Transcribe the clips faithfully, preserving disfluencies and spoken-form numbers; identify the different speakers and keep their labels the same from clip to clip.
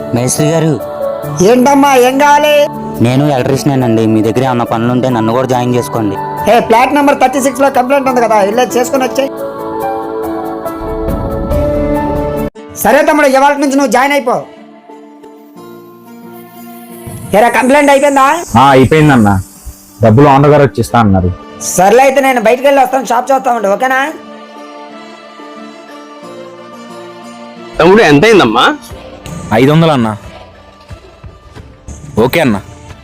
Speaker 1: మేస్త్రి గారు,
Speaker 2: ఏంటమ్మా ఏం కావాలి?
Speaker 1: నేను ఎలక్ట్రీషియన్ అండి. మీ దగ్గర ఏమన్నా పనులు ఉంటే నన్ను కూడా జాయిన్ చేసుకోండి.
Speaker 2: A flat number thirty six లో కంప్లైంట్ ఉంది కదా, ఇల్లే చేసుకుని వచ్చాయి. సరే తమ్ముడు, ఇవాళ నుంచి నువ్వు జాయిన్ అయిపో. ఏరా కంప్లైంట్ అయిపోయిందా?
Speaker 3: అయిపోయిందన్న, డబ్బులు ఓనర్ గారు వచ్చి ఇస్తా అన్నారు.
Speaker 2: సర్లే అయితే నేను బయటకు వెళ్ళి వస్తాను, షాప్ చూస్తామండి. ఓకేనా
Speaker 4: తమ్ముడు? ఎంత అయిందమ్మా?
Speaker 3: ఐదు వందలు అన్న. ఓకే అన్న.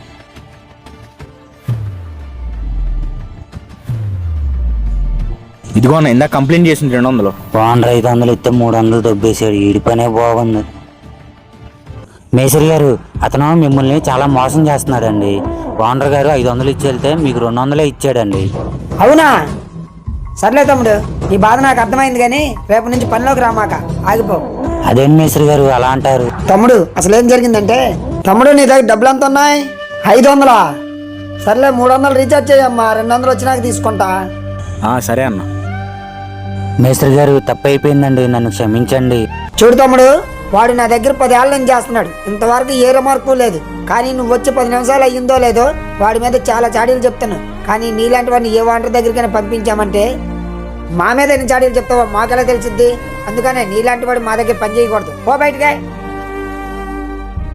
Speaker 3: ఇదిగో అన్న, ఇందాక కంప్లైంట్ చేసింది రెండు వందలు.
Speaker 1: ఓనర్ ఐదు వందలు ఇస్తే మూడు వందలు దొబ్బేశాడు. ఈడి పనే బాగుంది. మేస్త్రి గారు, అతను మిమ్మల్ని చాలా మోసం చేస్తున్నాడండి. ఓనర్ గారు ఐదు వందలు ఇచ్చి వెళ్తే మీకు రెండు వందలే ఇచ్చాడండి.
Speaker 2: అవునా? సర్లే తమ్ముడు, నీ బాధ నాకు అర్థమైంది, కానీ రేపు నుంచి పనిలోకి రామాక, ఆగిపో.
Speaker 1: అదేం మేస్త్రి గారు అలా అంటారు?
Speaker 2: తమ్ముడు అసలు ఏం జరిగిందంటే, తమ్ముడు నీ దగ్గర డబ్బులు ఎంత ఉన్నాయి? ఐదు వందలా? సర్లే మూడు వందలు రీఛార్జ్ చేయమ్మా, రెండు వందలు వచ్చినాక తీసుకుంటా.
Speaker 3: సరే అన్న.
Speaker 1: మేస్త్రి గారు, తప్పు అయిపోయిందండి, నన్ను క్షమించండి.
Speaker 2: చూడు తమ్ముడు, వాడు నా దగ్గర పదేళ్ళ నుంచి చేస్తున్నాడు, ఇంతవరకు ఏ రిమార్కు లేదు. కానీ నువ్వు వచ్చి పది నిమిషాలు అయ్యిందో లేదో వాడి మీద చాలా చాడీలు చెప్తాను. కానీ నీలాంటి వాడిని ఏ వాంటర్ దగ్గరికైనా పంపించామంటే మా మీద ఎన్ని చాడీలు చెప్తావో మాకెలా తెలిసిద్ది? అందుకనే నీలాంటి వాడు మా దగ్గర పని చేయకూడదు. పో బయటకే.